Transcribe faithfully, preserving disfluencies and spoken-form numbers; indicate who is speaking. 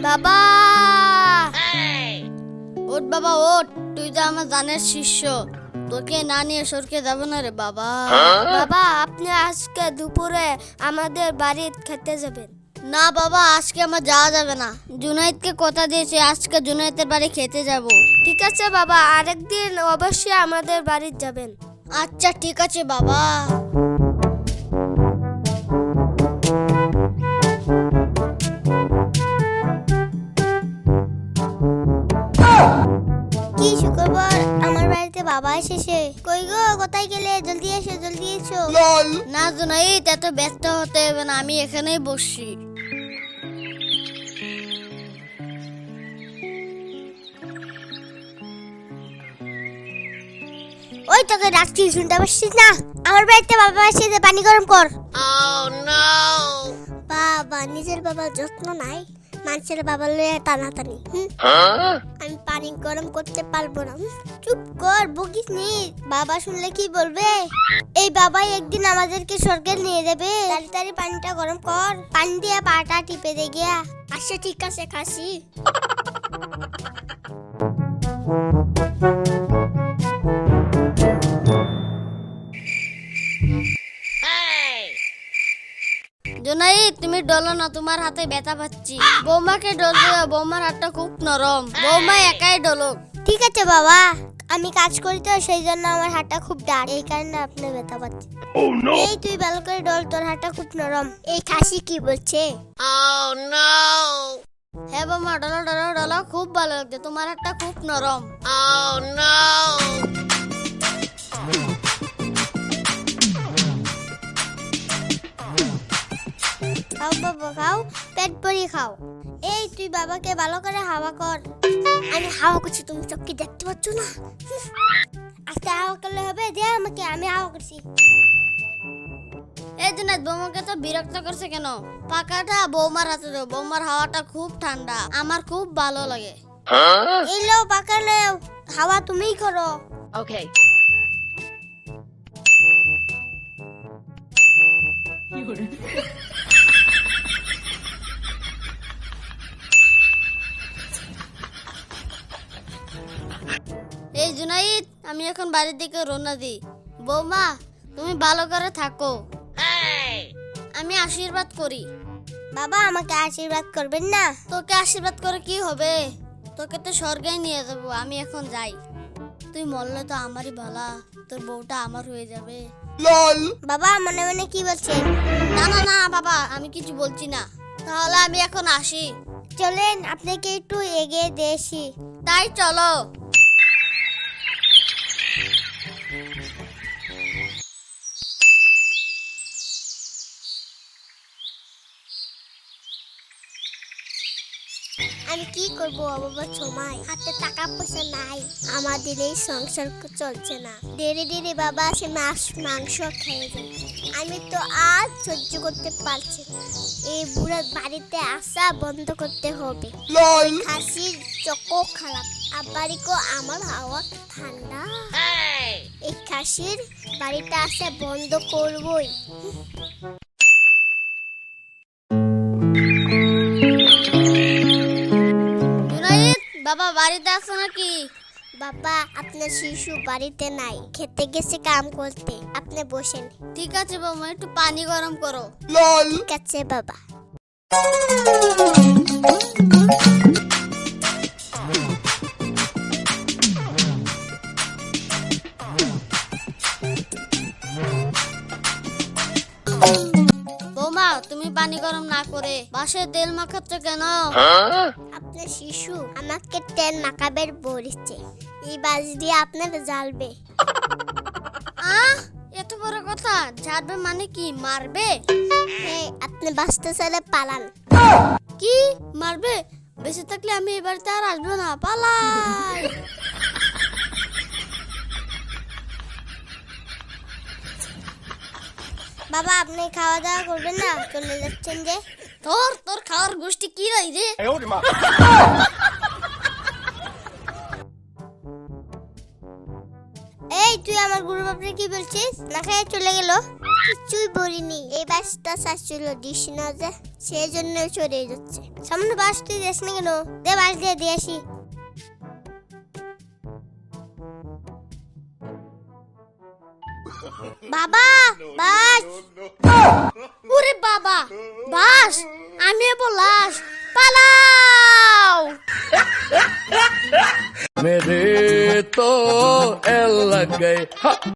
Speaker 1: বাবা ওঠ বাবা ওঠ, তুই তো আমার জানের শিষ্য, তোকে না নিয়ে সরকে যাব না রে বাবা।
Speaker 2: বাবা আপনি আজকে দুপুরে আমাদের বাড়ি খেতে যাবেন।
Speaker 1: না বাবা, আজকে আমার যাওয়া যাবে না। জুনাইদকে কথা দিয়েছি আজকে জুনাইদের বাড়ি খেতে যাব।
Speaker 2: ঠিক আছে বাবা, আরেকদিন অবশ্যই আমাদের বাড়ি যাবেন।
Speaker 1: আচ্ছা ঠিক আছে বাবা।
Speaker 2: কি শুক্রবার আমার বাড়িতে বাবা এসেছে। কই গো, কোথায় গেলে? জলদি এসো জলদি এসো।
Speaker 1: না জুনাইদ, এত ব্যস্ত হতে হবে না, আমি এখানেই বসছি।
Speaker 2: ওই তোকে ডাকছি, শুনতে পাচ্ছিস না? আমার বাড়িতে বাবা এসেছে, পানি গরম কর। বাবা নিজের বাবার যত্ন নাই, মানুষের বাবা লয়ে টানাটানি। আমি পানি গরম করতে পারবো না। চুপ কর, বকিস নি। বাবা শুনলে কি বলবে? এই বাবাই একদিন আমাদেরকে স্বর্গে নিয়ে যাবে। তাড়াতাড়ি পানিটা গরম কর, পানি দিয়ে পাটা টিপে দে গিয়া। আচ্ছা ঠিক আছে, খাসি।
Speaker 1: জুনাইদ তুমি ডলো না, তোমার হাতে ব্যথা পাচ্ছি। বৌমাকে ডল দিও, বৌমার হাতটা খুব নরম, বৌমা একাই ডলো।
Speaker 2: ঠিক আছে বাবা, আমি কাজ করি তো সেই জন্য আমার হাতটা খুব ডাক, এই কারণে আপনি ব্যথা পাচ্ছেন। এই তুই ভালো করে ডল, তোর হাতটা খুব নরম। এই খাসি কি বলছে?
Speaker 1: হ্যাঁ বৌমা, ডলো ডলো ডলো, খুব ভালো লাগছে, তোমার হাতটা খুব নরম।
Speaker 2: খাও বাবা খাও, পেট ভরি খাও। এই তুই বাবাকে ভালো করে হাওয়া কর। আমি হাওয়া করছি, তুমি চোখে দেখতে পাচ্ছ না? আজকে হাওয়া করলে হবে? দে আমাকে, আমি হাওয়া করছি।
Speaker 1: এই জুনাইদ, বৌমাকে তো বিরক্ত করছে কেন? পাকাটা বৌমার হাতে দাও, বৌমার হাওয়াটা খুব ঠান্ডা, আমার খুব ভালো লাগে।
Speaker 2: এই লো পাকা লো, হাওয়া তুমিই করো।
Speaker 3: ওকে।
Speaker 1: এই জুনাইদ, আমি এখন বাড়ির দিকে রওনা দিই। বৌমা তুমি ভালো করে থাকো, আমি আশীর্বাদ করি।
Speaker 2: বাবা আমাকে আশীর্বাদ করবেন না?
Speaker 1: তোকে আশীর্বাদ করে কি হবে? তোকে তো স্বর্গে নিয়ে যাবো, আমি এখন যাই। তুই মরলে তো আমারই ভালা, তোর বউটা আমার হয়ে যাবে।
Speaker 2: বাবা মনে মনে কি বলছেন?
Speaker 1: না না না বাবা, আমি কিছু বলছি না। তাহলে আমি এখন আসি।
Speaker 2: চলেন আপনাকে একটু এগিয়ে দেশি।
Speaker 1: তাই চলো।
Speaker 2: আমি কি করব বাবা, সময় হাতে টাকা পয়সা নাই, আমাদের এই সংসার চলছে না। ধীরে ধীরে বাবা সে মাছ মাংস খেয়ে যায়। আমি তো আর সহ্য করতে পারছি না, এই বুড়ার বাড়িতে আসা বন্ধ করতে হবে। খাসির চকো খারাপ, আবারিকো আমার হাওয়া ঠান্ডা। এই খাসির বাড়িতে আসা বন্ধ করবই।
Speaker 1: বাবা বাড়িতে আছো নাকি?
Speaker 2: বাবা আপনার শিশু বাড়িতে নাই, খেতে গেছে কাম করতে। আপনি বসেন।
Speaker 1: ঠিক আছে বৌমা, একটু পানি গরম করো।
Speaker 2: ঠিক আছে বাবা।
Speaker 1: বৌমা তুমি পানি গরম না করে বাসে তেল মাখাচ্ছ কেন?
Speaker 2: আপনার শিশু আমাকে তেল মাখাবের বলেছে, এই বাস দিয়ে আপনাকে জ্বালবে।
Speaker 1: আহ, এত বড় কথা, ঝাড়বে মানে কি, মারবে?
Speaker 2: হ্যাঁ, আপনি বাসতে চলে পালান।
Speaker 1: কি মারবে? বেঁচে থাকলে আমি এ বাড়িতে আর আসবো না, পালাই।
Speaker 2: বাবা আপনি খাওয়া দাওয়া করবেন না, চলে যাচ্ছেন যে?
Speaker 1: তোর তোর খাওয়ার গোষ্ঠী কি রই রে?
Speaker 2: এই এই তুই আমার গুরু বাপরে কি বলছিস? না খেয়ে চলে গেল। কিছুই বলিনি, এই বাসটা চাচ্ছিল দিস না যে, সেই জন্য চলে যাচ্ছে। সামনে বাস তুই দিস না কেন? দে বাস দিয়ে দিয়ে আসি। বাবা বাস।
Speaker 1: ওরে বাবা, বাস! আমি বলাস, পালাও!
Speaker 3: मेरे तो एल लग गए